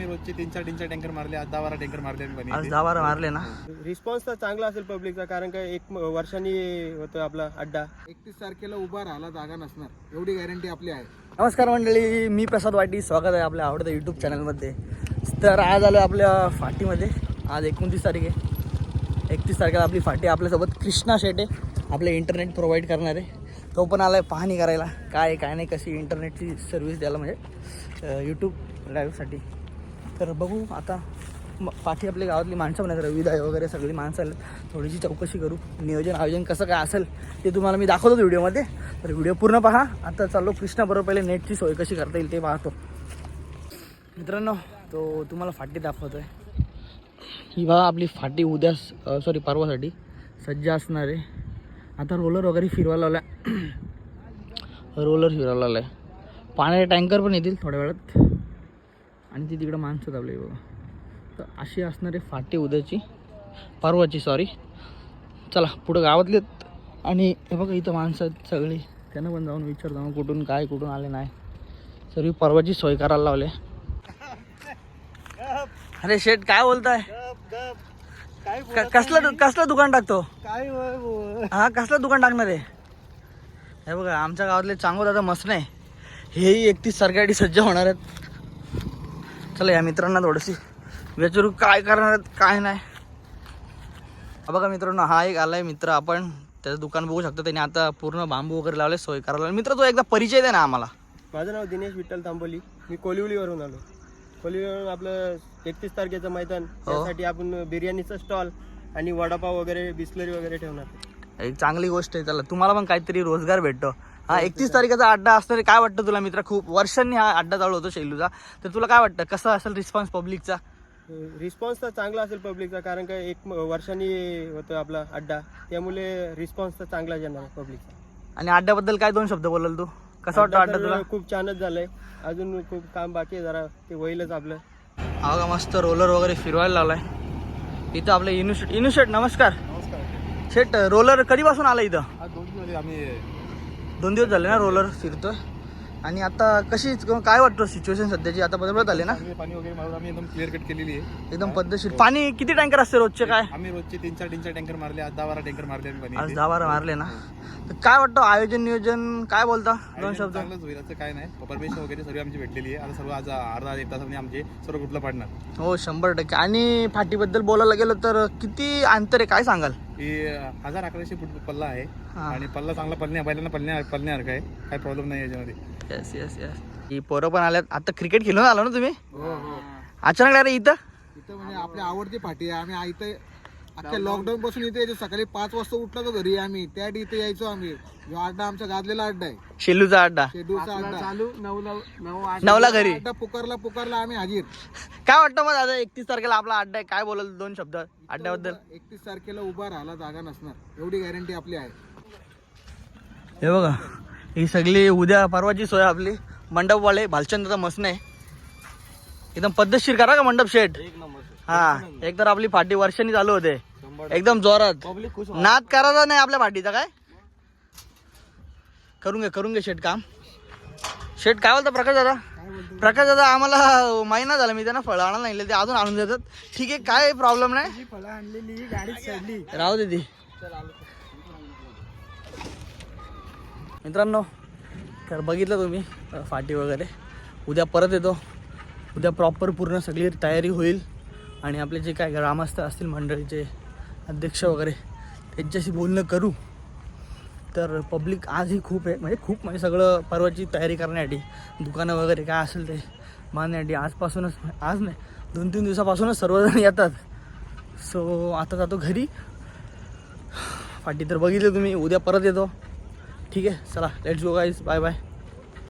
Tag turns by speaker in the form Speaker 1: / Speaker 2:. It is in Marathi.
Speaker 1: रोजचे 3-4 टँकर मारले, आज 10-12 टँकर मारले आम्ही.
Speaker 2: आज 10-12 मारले ना.
Speaker 3: रिस्पॉन्स तर चांगला असेल पब्लिकचा, कारण का एक वर्षांनी होतो आपला अड्डा.
Speaker 1: 31 तारखेला उभा राहायला जागा नसणार एवढी गॅरंटी आपली आहे.
Speaker 2: नमस्कार मंडळी, मी प्रसाद वाटी, स्वागत आहे आपल्या आवडत्या यूट्यूब चॅनलमध्ये. तर आज आलो आपल्या फाटीमध्ये. आज 29 तारीख आहे. 31 तारखेला आपली फाटी. आपल्यासोबत कृष्णा शेट आहे, आपले इंटरनेट प्रोव्हाइड करणारे. तो पण आला आहे पाहणी करायला, काय काय नाही, कशी इंटरनेटची सर्व्हिस द्यायला, म्हणजे यूट्यूब लाईव्हसाठी. तर बघू आता. बाकी आपल्या गावातली माणसं पण आहेत, रविदाय वगैरे सगळी माणसं आली. थोडीशी चौकशी करू, नियोजन आयोजन कसं काय असेल ते तुम्हाला मी दाखवतो व्हिडिओमध्ये. तर व्हिडिओ पूर्ण पहा. आता चाललो कृष्णाबरोबर. पहिले नेटची सोय कशी करता येईल ते पाहतो. मित्रांनो, तो तुम्हाला फाटी दाखवतो आहे. ही बघा आपली फाटी उद्या परवासाठी सज्ज असणार आहे. आता रोलर वगैरे फिरवायला लावला आहे. पाण्याचे टँकर पण येतील थोड्या वेळात. आणि ती तिकडं माणसं दाबली बघा. तर अशी असणारी फाटी उद्याची, परवाची सॉरी. चला पुढं गावातले. आणि हे बघा इथं माणसं आहेत सगळी, त्यांना पण जाऊन विचारतो मग कुठून आले नाही. सर्व परवाची सोय करायला लावले. अरे शेट काय बोलताय? कसलं दुकान टाकतो? हा, कसलं दुकान टाकणार आहे? हे बघा आमच्या गावातले चांगलं दादा मस्त नाही, हेही 31 तारखेसाठी सज्ज होणार आहेत. चला या मित्रांना थोडीशी विचारू काय करणार आहेत काय नाही. बघा मित्रांनो, हा एक आलाय मित्र. आपण त्याचं दुकान बघू शकतो. त्याने आता पूर्ण बांबू वगैरे लावले, सोय करायला. मित्र तो एकदा परिचय दे ना आम्हाला.
Speaker 3: माझं नाव दिनेश विठ्ठल तांबोली. मी कोलिवलीवरून आलो. कोलिवलीवरून आपलं 31 तारखेचं मैदान, त्यासाठी आपण बिर्याणीचा स्टॉल आणि वडापाव वगैरे, बिस्लरी वगैरे ठेवणार.
Speaker 2: एक चांगली गोष्ट आहे. चला तुम्हाला पण काहीतरी रोजगार भेटतो. हा 31 तारखेचा अड्डा असणार. काय वाटतं तुला मित्र? खूप वर्षांनी हा अड्डा चालू होतो शैलूचा. तर तुला काय वाटतं कसा असेल रिस्पॉन्स पब्लिकचा?
Speaker 3: रिस्पॉन्स तर चांगला असेल पब्लिकचा, कारण का एक वर्षांनी होतो आपला अड्डा, त्यामुळे रिस्पॉन्स तर चांगला येणार पब्लिकचा.
Speaker 2: आणि अड्ड्याबद्दल काय 2 शब्द बोलाल तू? कसं वाटतं अड्डा तुला?
Speaker 3: खूप छानच झालंय. अजून खूप काम बाकी आहे, जरा ते होईलच आपलं.
Speaker 2: हा का मस्त रोलर वगैरे फिरवायला लावलाय इथं आपलं. इनू शेट नमस्कार. शेट रोलर कधीपासून आला इथं? 2 दिवस झाले ना रोलर फिरतोय. आणि आता कशी काय वाटतं सिच्युएशन सध्याची? आता बदलत आले ना,
Speaker 1: पाणी वगैरे मारून आम्ही एकदम क्लिअर कट केलेली आहे.
Speaker 2: एकदम पद्धतशीर. पाणी किती टँकर असते रोजचे? काय
Speaker 1: आम्ही रोजचे 3-4 टँकर मारले, आज 10-12 टँकर मारले आम्ही.
Speaker 2: आज 10-12 मारले ना. तर काय वाटतं आयोजन नियोजन काय बोलता? 2 शब्द.
Speaker 1: चांगलंच होईल, असं काय नाही. परमिशन वगैरे सर्व आमची भेटलेली आहे. आता सर्व आज अर्धा 1 तासामध्ये आमचे सर्व ग्रुपला पाडणार.
Speaker 2: हो 100%. आणि फाटीबद्दल बोलायला गेलं तर किती अंतर आहे काय सांगाल?
Speaker 1: ही 1100 फूट पल्ला आहे. आणि पल्ला चांगला पळण्यासारखा आहे. काही प्रॉब्लेम नाही याच्यामध्ये.
Speaker 2: येस. ही पोरं पण आल्यात. आता क्रिकेट खेळून आलो ना तुम्ही? अचानक अरे इथं
Speaker 1: म्हणजे आपली आवडती पाठी आहे. आम्ही इथे अख्ख्या लॉकडाऊन पासून इथे यायचो. सकाळी 5 वाजता उठलो तर घरी आम्ही त्या इथे यायचो. आम्ही जो अड्डा आमचा गाजलेला अड्डा आहे,
Speaker 2: शेलूचा अड्डा.
Speaker 1: शेड्यूलचा अड्डा
Speaker 3: चालू
Speaker 2: 9ला घरी.
Speaker 1: अड्डा पुकारला आम्ही हाजीर.
Speaker 2: काय वाटतं मग दादा 31 तारखेला आपला अड्डा आहे, काय बोलाल 2 शब्द अड्ड्याबद्दल?
Speaker 1: 31 तारखेला उभा राहायला जागा नसणार एवढी गॅरंटी आपली आहे.
Speaker 2: हे बघा ही सगळी उद्या परवाची सोय आपली. मंडपवाले भालचंद्रचा मसने आहे. एकदम पद्धतशीर करा का मंडप शेट? हा, एक तर आपली फाटी वर्षांनी चालू होते एकदम जोरात. नाद करायचा नाही आपल्या फाटीचा. काय करून घे शेट काम. शेट काय बोलता प्रकाश दादा? आम्हाला महिना झाला मी त्यांना फळं आणायला नाही, ते अजून आणून देतात. ठीक आहे, काय प्रॉब्लेम नाही.
Speaker 3: फळं आणलेली, गाडी चढली,
Speaker 2: राहू दे ती. मित्रांनो, तर बघितलं तुम्ही फाटी वगैरे. उद्या परत येतो. उद्या प्रॉपर पूर्ण सगळी तयारी होईल. आणि आपले जे काय ग्रामस्थ असतील, मंडळीचे अध्यक्ष वगैरे, त्यांच्याशी बोलणं करू. तर पब्लिक आजही खूप आहे, म्हणजे सगळं परवाची तयारी करण्यासाठी, दुकानं वगैरे काय असेल ते बांधण्यासाठी आजपासूनच, आज नाही 2-3 दिवसापासूनच सर्वजण येतात. सो आता जातो घरी. फाटी तर बघितलं तुम्ही. उद्या परत येतो. ठीक आहे, चला let's go guys, bye bye.